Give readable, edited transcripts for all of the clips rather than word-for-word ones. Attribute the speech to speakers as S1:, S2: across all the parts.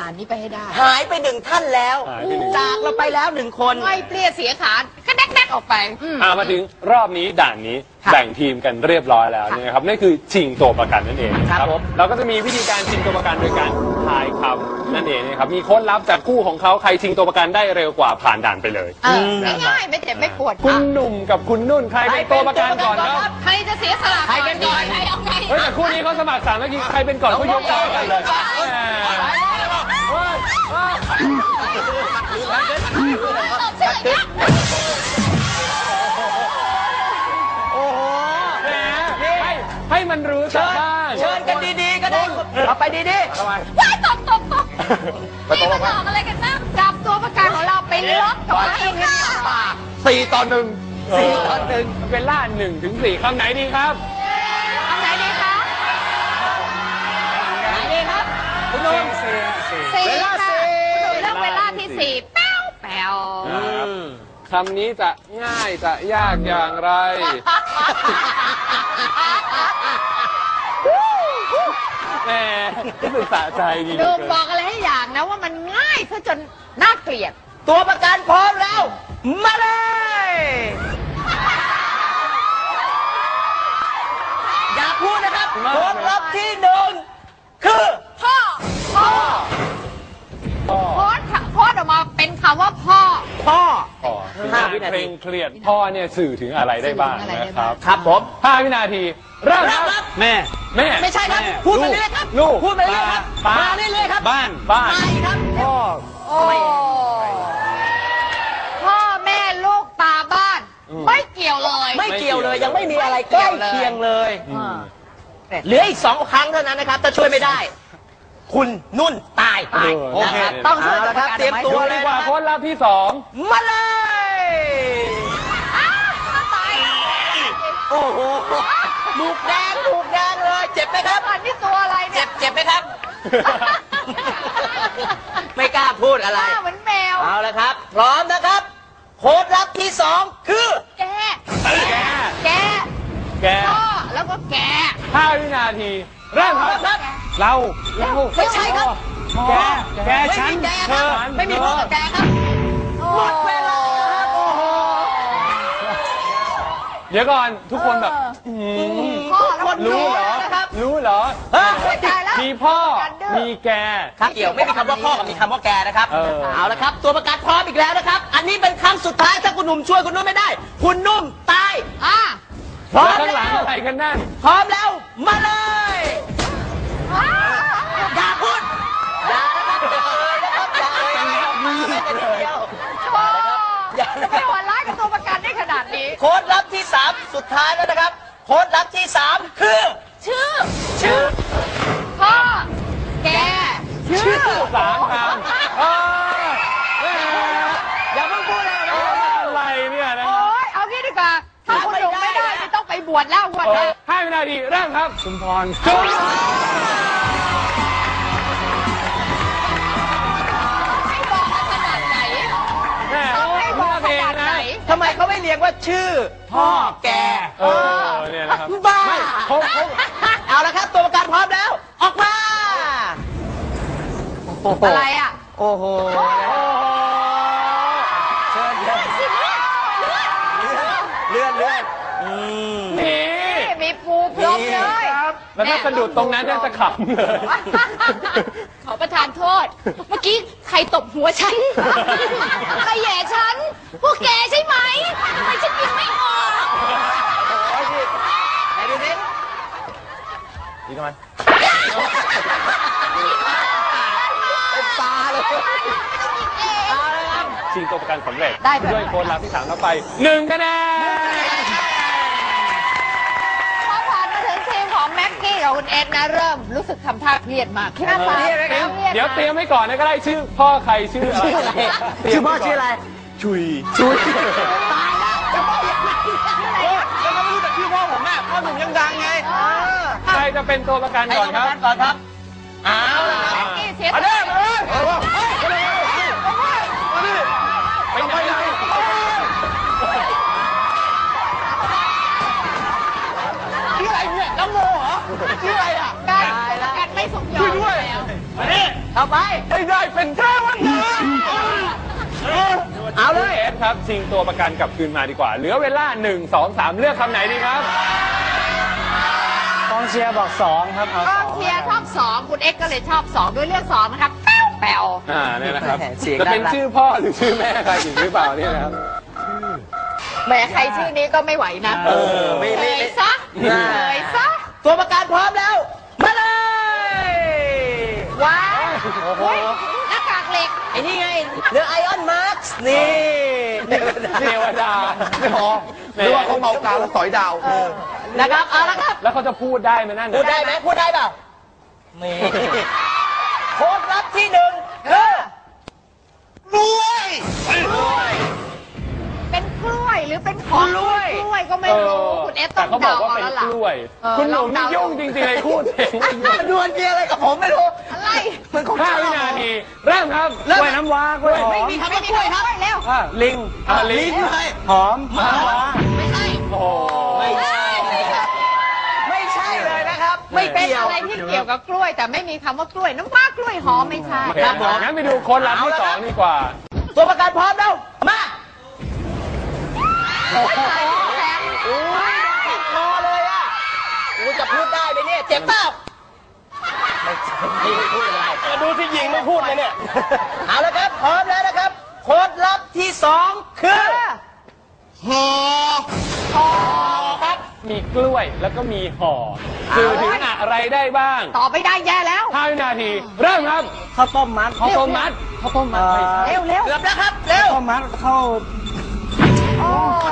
S1: านนี้ไปให้ได้
S2: หายไปหนึ่งท่านแล้วจากเราไปแล้วหนึ่งคน
S1: ไม่เปลี่ยนเสียขาก็แดกออกไป
S3: มาถึงรอบนี้ด่านนี้แบ่งทีมกันเรียบร้อยแล้วนะครับนั่นคือชิงตัวประกันนั่นเองครับเราก็จะมีวิธีการชิงตัวประกันโดยการทายคำนั่นเองนะครับมีโค้ดลับจากคู่ของเขาใครชิงตัวประกันได้เร็วกว่าผ่านด่านไปเลย
S1: ง่ายๆไม่เจ็บไม่ปวด
S3: คุณหนุ่มกับคุณนุ่นใครเป็นตัวประกันก่อนครับ
S1: ใครจะเสียสละใครกันก่อน
S3: เฮ้ยแต่คู่นี้เขาสมัครสามเมื่อกี้ใครเป็นก่อนเขายกตัวกันเลยให้มันรู้ซะบ้าง
S2: เชิญกันดีๆก็ได้เอาไปดีๆ
S1: ว้ายตบนี่มาหลอกอะไรกันบ้างจับตัวประกันของเราไปล็อกกับไอ้ค่ะ
S3: 4-1เป็นล่า1 ถึง 4คำไหนดีครับ
S1: คำไหนดีคะไหนดีครับ
S2: คุณนุ่ม
S1: 4ค่ะเลือกเวลาที่4แป๊ว
S3: คำนี้จะง่ายจะยากอย่างไรแหมศึกษาใจดี
S1: ดูบอกอะไรให้อย่างนะว่ามันง่ายซะจนน่าเกลียด
S2: ตัวประกันพร้อมแล้วมาเลยอย่าพูดนะครับโค้ดลับที่1คือ
S1: พ่อโค้ดออกมาเป็นคำว่าพ่อ
S3: 5 วินาทีเครียดพ่อเนี่ยสื่อถึงอะไรได้บ้างนะครับ
S2: ครับผม
S3: 5 วินาทีเริ่มครับ
S2: แม่ไม่ใช่ครับพูดไปเรื่อยครับ
S3: ลูก
S2: พูดไปเรื่อยครับมาเรื่อยๆครับ
S3: บ้าน
S2: ครับ
S3: พ่อ
S1: พ่อแม่ลูกตาบ้านไม่เกี่ยวเลย
S2: ยังไม่มีอะไรใกล้เคียงเลยเหลืออีก2 ครั้งเท่านั้นนะครับถ้าช่วยไม่ได้คุณนุ่นตาย
S3: โอเค
S1: ต้องช่วยแล้ว
S2: ครับเตรียมตัว
S3: ดีกว่าโค้ดลับที่2
S2: มาเลยโอ้โหถูกแดงเลยเจ็บไหมครับ
S1: อันนี้ตัวอะไรเนี่ย
S2: เจ็บไหมครับไม่กล้าพูดอะไร
S1: เหมือนแมว
S2: เอาละครับพร้อมนะครับโค้ดลับที่2คือ
S1: แกพ่อแล้วก็แก
S3: 5 วินาทีเริ่มครับเรา
S2: ไม่ใช่ครับ
S3: แกฉันเธอ
S2: ไม่มีพ่อกับแกครับหมดเวลาครับโอ้โห
S3: เดี๋ยวก่อนทุกคนแบบรู้เหรอมีพ่อมีแก
S2: เกี่ยวไม่มีคำว่าพ่อกับมีคำว่าแกนะครับเอาละครับตัวประกันพร้อมอีกแล้วนะครับอันนี้เป็นครั้งสุดท้ายถ้าคุณหนุ่มช่วยคุณนุ่มไม่ได้คุณนุ่มตาย
S3: พร้อมข้างหลังอะไรกันนั่น
S2: พร้อมแล้วมาเลยอย่าพูดอย่า
S1: ไม่หวานร้ายกับตัวประกันได้ขนาดนี้
S2: โค้ดลับที่3สุดท้ายแล้วนะครับโค้ดลับที่3คือ
S1: ชื่อพ่อแก
S3: ชื่อ3 คำ
S2: อย่าเพิ่งพูดเลย
S3: อะไรเนี่ยนะ
S1: เอางี้ดีกว่าถ้าคุณหนุ่มไม่ได้จะต้องไปบวชแล้ว
S3: 5 วินาทีเริ่มครับชุมพร
S2: ทำไมเขาไม่เรียกว่าชื่อพ่อแก
S3: เนี่ยนะครับ
S2: บ้าเอาละครับตัวประกันพร้อมแล้วออกมา
S1: อะไร
S2: โอ้โหเชิญเลื่อน
S3: นี่
S1: มีปูพร้อมเลย
S3: แล้วถ้าสะดุดตรงนั้นจะขำเลย
S1: ขอประทานโทษเมื่อกี้ใครตบหัวฉันใครแย่ฉันพวกแกใช่ไหมทำไมฉันยิงไม่ออก
S2: ไหนดูสิ
S3: ดีทำไม
S2: เป็นปลาเลย
S3: ชิงตัวประกันสำเร็จด้วยโค้ดลับที่3แล้วไป1 คะแนน
S1: แม็กกี้กับคุณเอ็ดนะเริ่มรู้สึกทำท่าเครียดมาก
S3: เดี๋ยวเตรียมไว้ก่อนนะก็ได้ชื่อพ่อใครชื่ออะไร
S2: ชื่อพ่อชื่ออะไร
S3: ชุย
S2: ตายแล้วจะพ่อยังไงแล้วก็ไม่รู้แต่ชื่อพ่อผมแม่พ่อหนุ่มยังดังไง
S3: ใครจะเป็นตัวประกันก่อนครับ
S2: เอาละ
S1: แม็กกี้เสีย
S3: มาเลยไปไหน
S2: ชื่ออะไรเนี่ยน้ำโมเหรอชื่ออะไร
S1: การไม่สมยอมแล้ว
S2: ต่อไป
S3: ไม่ได้เป็นเทวดา
S2: เอาเลย
S3: เอฟครับชิงตัวประกันกลับคืนมาดีกว่าเหลือเวลา1 2 3เลือกคำไหนดีครับ
S4: กองเชียร์บอก2ครับเอา
S1: กองเชียร์ชอบ2คุณเอ็กซ์ก็เลยชอบ2ด้วยเลือก2นะครับแป๋ว
S3: เนี่ยนะครับ
S2: เสียง
S3: จะเป็น
S2: น่ารัก
S3: ชื่อพ่อหรือชื่อแม่ใครอีกหรือเปล่าเนี่ยนะครับ
S1: แหมใครชื่อนี้ก็ไม่ไหวนะ
S2: ไม่
S1: เลยซะเลยซะ
S2: ตัวประกันพร้อมแล้ว มาเลย
S1: ว้าวเฮ้ยหน้ากากเหล็ก
S2: ไอ้นี่ไงเรือไอออนมาร์คนี่
S3: เทวดา
S5: ไม่พอหรือว่าเขาเมากาวแล้วสอยดาว
S2: นะครับ เอาละครับ
S3: แล้วเขาจะพูดได้ไหมนั่น
S2: พูดได้ไหมพูดได้เปล่านี่โค้ดลับที่หนึ่งคือ
S1: เป็นกล้วยหรือเป็นของกล้วยก็ไม่รู้คุณเอสต้
S3: แต่
S1: อง
S3: เขาบอ
S1: เดาก
S3: ว่า
S1: เอา
S3: เป็น
S1: แล้ว
S3: ก
S1: ล่ะ
S3: ล้วย คุณหนุ่มนี่ยุ่งจริงๆเลยพูดเอง
S2: มันดวลเกียร์อะไรกับผมไม่รู้
S1: อะไร
S2: มันของ
S3: 5 วินาทีเริ่มครับ
S4: กล้วยน้ำว้ากล้วยหอ
S2: ไม่
S4: ม
S2: มีคำว่ากล้วยครับ
S1: เร็ว
S4: ลิง
S3: ลิง
S4: หอมมะว้า
S1: ไม่ใช่
S3: โอ้โห
S2: ไม่ใช่ไม่ใช่เลยนะครับ ไม่
S1: เป็น
S2: เกี่ยว
S1: อะไรที่เกี่ยวกับกล้วย แต่ไม่มีคำว่ากล้วยน้ำว้ากล้วยหอมไม่ใช่
S3: โอเคงั้นไปดูคนรับที่2ดีกว่า
S2: ตัวประกันพร้อมแล้วมา
S1: โอ้โหแสบ
S2: ติดคอเลยอ่ะกูจะพูดได้ไหมเนี่ยเจ็บเปล่าไม่พูดอะไร
S4: ดูที่ยิงไม่พูดเลยเนี่ย
S2: เอาละครับพร้อมแล้วนะครับโค้ดลับที่2คือ
S3: ครับมีกล้วยแล้วก็มีห่อสื่อถึงอะไรได้บ้าง
S1: ต่อไปได้แย่แล้ว
S3: 5 วินาที เริ่มครับ
S4: ข้าวต้มมัด
S3: ข้าวต้มมัดข้าวต้มมัดไม่ใช่
S1: เร็วเร็ว
S2: เกือบแล้วครับเร็ว
S4: ข้าวมัดข้าว
S1: โอ้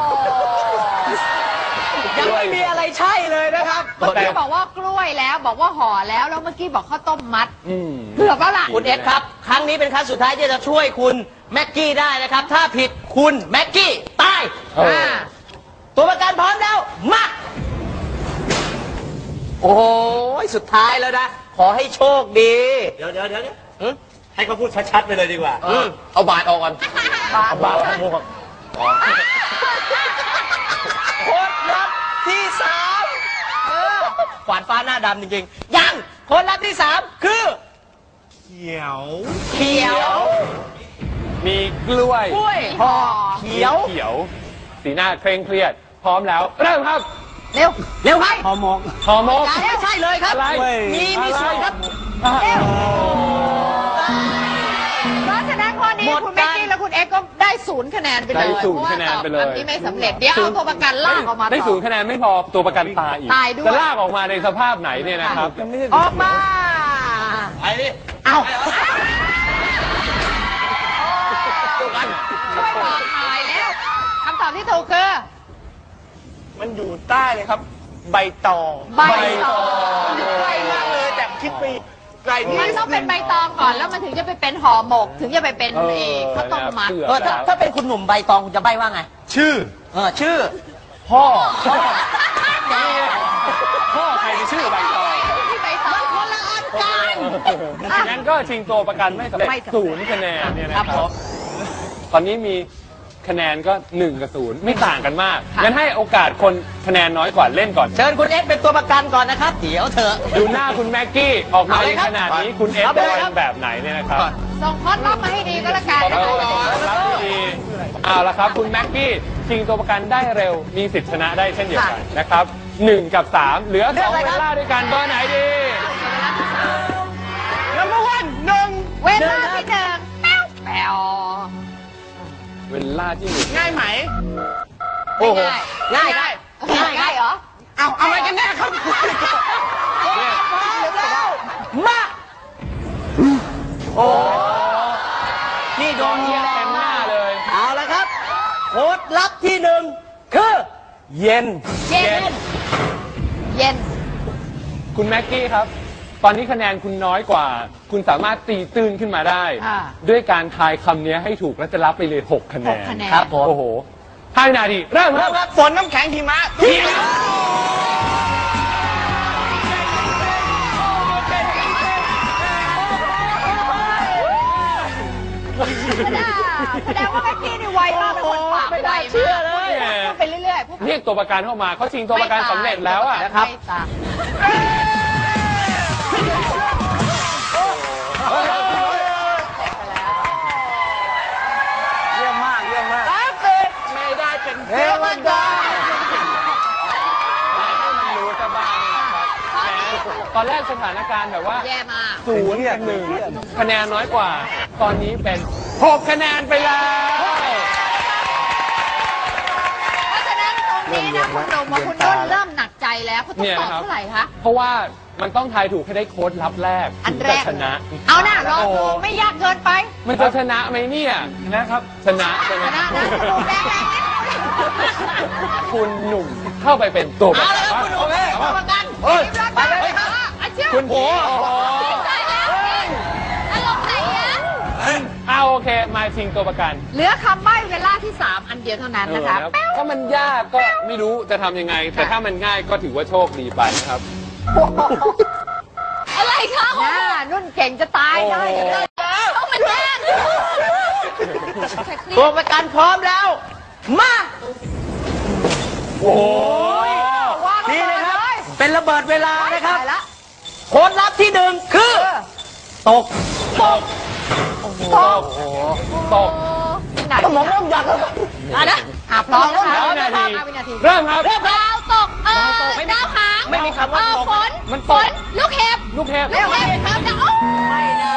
S2: ยังไม่มีอะไรใช่เลยนะครับ
S1: เมื่อกี้บอกว่ากล้วยแล้วบอกว่าห่อแล้วแล้วเมื่อกี้บอกข้าวต้มมัด
S3: อืม
S1: เกือบแล้วล่ะ
S2: คุณเอ็ดครับ ครั้งนี้เป็นครั้งสุดท้ายที่จะช่วยคุณแม็กกี้ได้นะครับ ถ้าผิดคุณแม็กกี้ตาย
S3: เออ
S2: ตัวประกันพร้อมแล้วมาโอ้ยสุดท้ายแล้วนะ ขอให้โชคดี
S4: เดี๋ยวให้เขาพูดชัดๆไปเลยดีกว่า
S5: เอาบาดออกก่อน
S4: บาหมวก
S2: โค้ดลับที่3ขวานฟ้าหน้าดำจริงๆ ยังโค้ดลับที่3คือ
S4: เขียว
S2: เขียว
S3: มีกล้วย
S2: กล้วย
S1: ห่อ
S2: เขียว
S3: เขียว สีหน้าเคร่งเครียด พร้อมแล้ว เริ่มครับ
S1: เร็ว
S2: เร็วครับ
S4: ห่อหมก
S3: ห่อหมก
S2: ไม่ใช่เลยครับ
S3: อะไร
S2: มีส่วนครับ
S1: เพราะฉะนั้นข้อนี้
S2: หมด
S1: คุณแม็กกี้และคุณเอ็กซ์ก็ได้0 คะแนนไปเลย
S3: ได้0 คะแนนไปเลย
S1: พราะว่าตอบอันนี้ไม่สำเร็จเดี๋ยวเอาตัวประกันลากออกมา
S3: ได้
S1: ต่อ
S3: 0 คะแนนไม่พอตัวประกันตายอีก
S1: ตายด้วย
S3: จะลากออกมาในสภาพไหนเนี่ยนะครับ
S2: ออกมา
S4: ไอ้นี่
S2: เอา
S1: ช่วยบอกหน่อยแล้วคำตอบที่ถูกคือ
S4: มันอยู่ใต้เลยครับ ใบตอง
S1: ใบตอง
S4: ใกล้มากเลยแต่คิดไปไกลนิด
S1: มันต้องเป็นใบตองก่อนแล้วมันถึงจะไปเป็นห่อหมก ถึงจะไปเป็นข้าวต้มมัด
S2: เออถ้าเป็นคุณหนุ่มใบตองคุณจะใบว่าไง
S4: ชื่อ
S2: ชื่อ
S3: พ่อใครจะชื่อใบตอง
S1: ที่ใบตองคนละอันกัน
S3: งั้นก็ชิงตัวประกันไม่สำเร็จ
S1: ไม่สำเร็จ
S3: 0 คะแนนเนี่ยนะครับตอนนี้มีคะแนนก็1 กับ 0 ไม่ต่างกันมากงั้นให้โอกาสคนคะแนนน้อยกว่าเล่นก่อน
S2: เชิญคุณเอ็กซ์เป็นตัวประกันก่อนนะครับ เดี๋ยวเถอะ
S3: ดูหน้าคุณแม็กกี้ออกมา
S2: เอาเล
S3: ใน
S2: ยครับ
S3: ขนาดนี้คุณเอฟ
S2: เอาไป
S3: จะ
S2: เลยครับ
S3: เป็นแบบไหนเนี่ยนะครับ
S1: ส่งคอสรอบมาให้ดีก็แล้วกัน
S3: รับดีเอาละครับคุณแม็กกี้ชิงตัวประกันได้เร็วมีสิทธิชนะได้เช่นเดียวกันนะครับ1 กับ 3 เหลือ2เวลาด้วยกันเบอร์ไหนดี
S4: Number 1
S1: เวลาที่หนึ่งแป๊วแป๊ว
S3: เวลาที่หนึ่ง
S4: ง่ายไหม
S2: โอ้โห
S1: ง่าย
S2: ง่าย
S1: ง่ายเหรอ
S4: เอาอะไรกันแน่ครับ
S3: เนี่ย
S2: มาโอ้นี่โดน
S3: เยี่ยมเต็มหน้าเลย
S2: เอาละครับ โค้ดลับที่1คือ
S4: เย็น
S1: เย็น เย็น
S3: คุณแม็กกี้ครับ ตอนนี้คะแนนคุณน้อยกว่า คุณสามารถตีตื้นขึ้นมาได้ ด้วยการทายคำนี้ให้ถูกและจะรับไปเลย6 คะแนน
S1: 6 คะแนน
S2: ครับผม
S3: โอ้โห5 วินาทีเริ่มครับ
S4: ฝนน้ำแข็งหิมะ
S1: แสดงว่าแม็กกี้นี่ไวมากเป็นคนปาก
S2: ไม่
S1: ไว
S2: ได้
S1: มาก
S2: เชื่อเลย
S1: พูดไปเรื่อยๆพูด
S3: เรียกตัวประกันเข้ามาเขาชิงตัวประกันสำเร็จแล้วอะ
S2: นะครับ
S1: ไม่ตาย
S3: เ
S2: เทวดา
S3: รู้ซะบ้างนะครับแหมตอนแรกสถานการณ์แบบว่า
S1: แย่มาก
S3: 0-1 คะแนนน้อยกว่า ตอนนี้เป็น 6 คะแนนไปแล้ว
S1: เพราะฉะนั้นตรงนี้นะคุณหนุ่มกับคุณนุ่นเริ่มหนักใจแล้วเขาต้องตอบเท่าไหร่คะ
S3: เพราะว่ามันต้องทายถูกให้ได้โค้ดลับแรก
S1: อัน
S3: ถึง
S1: แร
S3: จะ
S1: ก
S3: ชนะ
S1: เอาน่ะลองดูไม่ยากเกินไป
S3: มันจะชนะไหมเนี่ยนะครับ ชนะใช่ไหม
S1: ชนะนะคุณหนุ่มแรงๆนิด
S3: คุณหนุ่มเข้าไปเป็นตัวประ
S2: เอา
S3: กัน
S2: เลยครับคุณหนุ่ม
S1: ตัวประกัน
S2: เฮ้ย
S1: ไปเลยค่ะอาเชื่อ
S3: คุณโอ้
S1: ใจแล้วอารมณ์ไหนอะ
S3: เอาโอเคมาชิงตัวประกัน
S1: เหลือคำใบ้เวลาที่ 3 อันเดียวเท่านั้นนะคะ
S3: ถ้ามันยากก็ไม่รู้จะทำยังไง แต่ถ้ามันง่ายก็ถือว่าโชคดีไปนะครับ
S1: อะไรคะนุ่นเก่งจะตายได้ต้องมันแย่ง
S2: ตัวประกันพร้อมแล้ว มา
S3: โอ้ย
S2: นี่นะครับ เป็นระเบิดเวลานะครับ
S1: ตายละ
S2: โค้ดลับที่หนึ่งคือ ตก
S3: ตกตกตก
S1: สมองเริ่มหยักแล้วนะพร้อมนะคะ
S3: 5 นาที
S1: 5 วินาที
S3: เริ่มครับ
S1: ดาวตกดาวหาง
S2: ไม่มีคำว่าตก
S1: ฝน
S3: มัน
S1: ฝ
S3: ตก
S1: นลูกเห็บ
S3: ลูกเทพ
S1: ลูกเห็บครับจะไม่ได้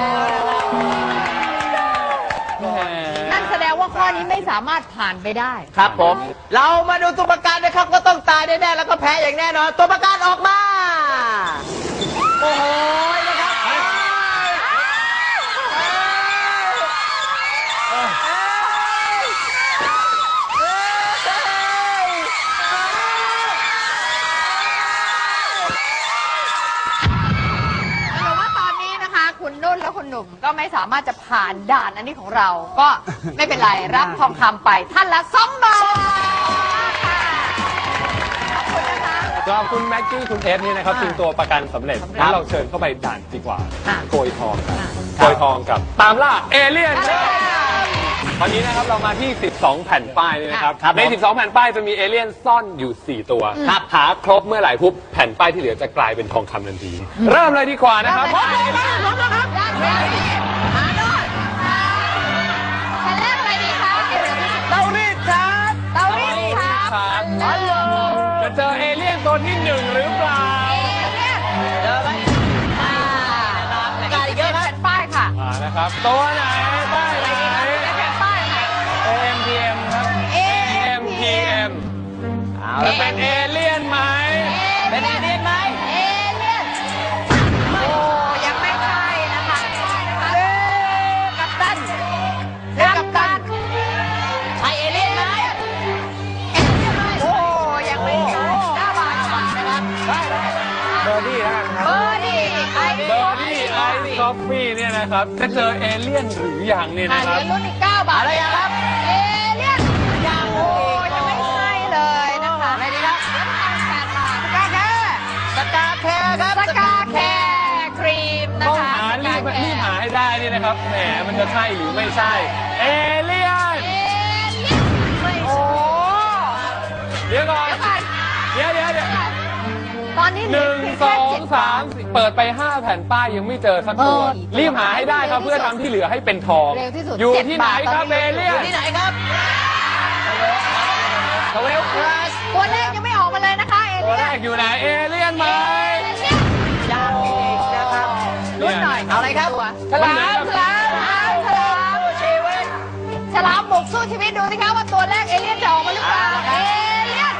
S1: นั่นแสดงว่าข้อนี้ไม่สามารถผ่านไปได้
S2: ครับผม เรามาดูตัวประกันนะครับ ก็ต้องตายแน่ๆแล้วก็แพ้อย่างแน่นอน ตัวประกันออกมา โอ้โหนะครับ
S1: แต่ว่าตอนนี้นะคะคุณนุ่นและคุณหนุ่มก็ไม่สามารถจะผ่านด่านอันนี้ของเรา ก็ไม่เป็นไรรับทองคำไปท่านละ2 บาทค่ะขอบคุณนะคะ
S3: สำหรับคุณแม็กกี้คุณเอสนี่นะครับชิงตัวประกันสำเร็จงั้นเราเชิญเข้าไปด่านดีกว่า
S1: ค่ะ
S3: โกยทองกันโกยทองกับตามล่าเอเลี่ยน ตอนนี้นะครับเรามาที่ 12 แผ่นป้ายนี่นะครับ
S2: ครับ
S3: ใน 12 แผ่นป้ายจะมีเอเลี่ยนซ่อนอยู่ 4 ตัวครับหาครบเมื่อไหร่ปุ๊บแผ่นป้ายที่เหลือจะกลายเป็นทองคำทันที เริ่มเลยดีกว่านะครับ
S1: พร้อมแล้วครับมาโน่นแผ่นแรกอะไรดีคะเตารีดครับเตารีดครับ
S3: ครับจะเจอเอเลี่ยนตัวที่ 1 หรือเปล่า
S2: เจอไหม
S1: กาเยอะแผ่นป้ายค่ะ
S3: นะครับตัวไหนป้ายไหน
S1: แผ่นป้ายค่ะ
S3: AMPM ครับ AMPM จะเป็นเอเลี่ยนไหม
S2: เป็นเอเลี่ยนไหม
S1: เอเลี่ยนโอ้ยังไม่ใช่นะคะกัปตันกัปตัน
S2: ใช่เอเลี่ยนไหม
S1: โอ้ยังไม่ใช่9 บาทนะครับ
S3: เบอร์ดี้แล้วกันครับ
S1: เบอร์ดี้ไอ
S3: เบอร์ดี้ไอซ์คอฟฟี่เนี่ยนะครับจะเจอเอเลี่ยนหรือยังเนี่ย
S1: เห
S3: นะค
S1: ลื
S3: รับ
S1: อรุ่นอีก9 บาทเลยครับ เอเลี่ยนยังโอ้ยังไม่ใช่เลยนะคะ
S2: อะไรดีครับ
S1: 8 บาทสกาแคร์
S2: สกาแคร์ครับ
S1: สกาแคร์ครีมนะ
S3: ต้อง
S1: คะ
S3: หารีบหาให้ได้นี่นะครับแหมมันจะใช่หรือไม่ใช่เอเลี่ยน
S1: เอเลี่ยนไม่ใช่
S3: เดี๋ยวก่อน
S1: เดี๋ยวก่อน
S3: เดี๋ยว
S1: ตอนนี้
S3: หนึ่งสองสามสี่เปิดไป 5 แผ่นป้ายยังไม่เจอสักตัว รีบหาให้ได้ครับเพื่อทำที่เหลือให้เป็นทอง
S1: เร็วที่สุด
S3: อยู่ที่ไหนครับเอเลี่ยน
S2: ที่ไหนครับ
S3: ทเวลคลาส
S1: ตัวเลขยังไม่ออกมาเลยนะคะ เอ
S3: ตัว
S1: เลี่
S3: แร
S1: ยน
S3: กอยู่ไหนเอเลี่ยนไหม
S2: ยังอีกนะครับ
S1: รุ่นหน่อย
S2: เอาอะไรครับ
S1: ฉลามฉลามบุกสู้ชีวิตดูสิคะว่าตัวแรกเอเลี่ยนจะออกมาหรือเปล่า เอเลี่ยน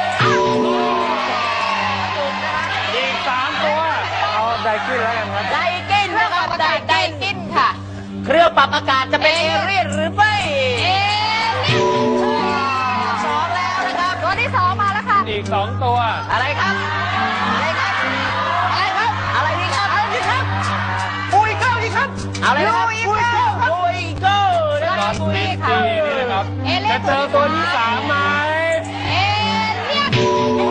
S3: อีก 3 ตัว เอาไดกินแล้วกันครับ
S2: ไดกิน
S1: เครื่อ
S2: นะ
S1: ง
S2: ค
S1: ป
S2: รั
S1: รั
S2: บบ
S1: อากาศไดกินค่ะ
S2: เครื่องปรับอากาศจะเป็นเอเลี่ยนหรือไม่
S1: เอเลี่ยน
S2: สองแล้วนะครับ
S1: ตัวที่ 2 มาแล้วค่ะ
S3: อีก 2 ตัว
S2: อะไรครับ อะไรครับ
S1: อะไรครับ
S2: อะไรดีครับอะไรดีครับปุยเก้าดีครับอะไรครับปุยเก้าปุยเก้านะ
S3: ต
S2: ค
S3: อ
S2: รับ
S3: นนี้นี่นะครับ
S1: เอเลี่ย
S3: จะ
S1: น
S3: เจอตัวที่ 3 ไหม
S1: เอเลี่ยน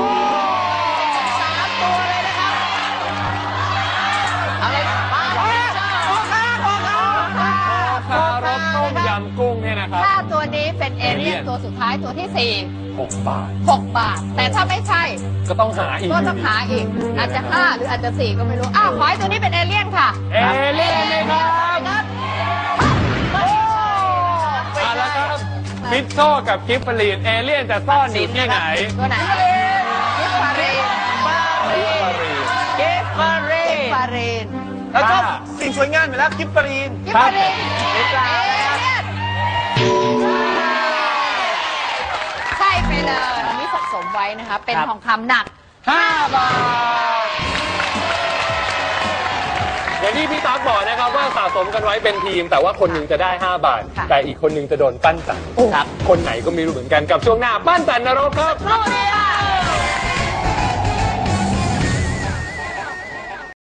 S2: 3 ตัวเลยนะครับอะไรมาแล้วโอเคโอเค
S3: คารสต้มยำกุ้งเนี่ยนะครับ
S1: ถ้าตัวนี้เป็นเอเลี่ยนตัวสุดท้ายตัวที่
S3: 6 บาท
S1: 4 6 บาท แต่ถ้าไม่ใช่
S3: ก็ต้องหาอีก
S1: ก็ต้องหาอีก อาจจะ 5 หรืออาจจะ 4 ก็ไม่รู้ อ้าว ขอให้ตัวนี้เป็นเอเลี่ยนค่ะ
S3: เอเลี่ยนเลยครับเอาละครับมิโซกับกิฟฟรีนเอเลี่ยนจะซ่อนอยู่ที่ไหน
S1: ตัวไหนกิฟฟารีน
S2: เกฟฟารี
S1: กิฟฟารีน
S4: แล้วชอบสิ่งสวยงามอยู่แล้วกิฟฟรีน
S1: กิฟฟารีน
S2: ไม่กล้า
S1: ใช่ไปเลยอันนี้สะสมไว้นะคะ เป็น
S2: ครับ
S1: ทองคำหนัก
S3: 5 บาท อย่างที่พี่ต๊อกบอกนะครับว่าสะสมกันไว้เป็นทีม แต่ว่าคนหนึ่งจะได้ 5 บาท
S1: ค่ะ
S3: แต่อีกคนหนึ่งจะโดนปั้นจัน
S2: ครับ
S3: คนไหนก็ไม่รู้เหมือนกันกับช่วงหน้าปั้นจันนรกครับ
S1: รู้ดีค่ะ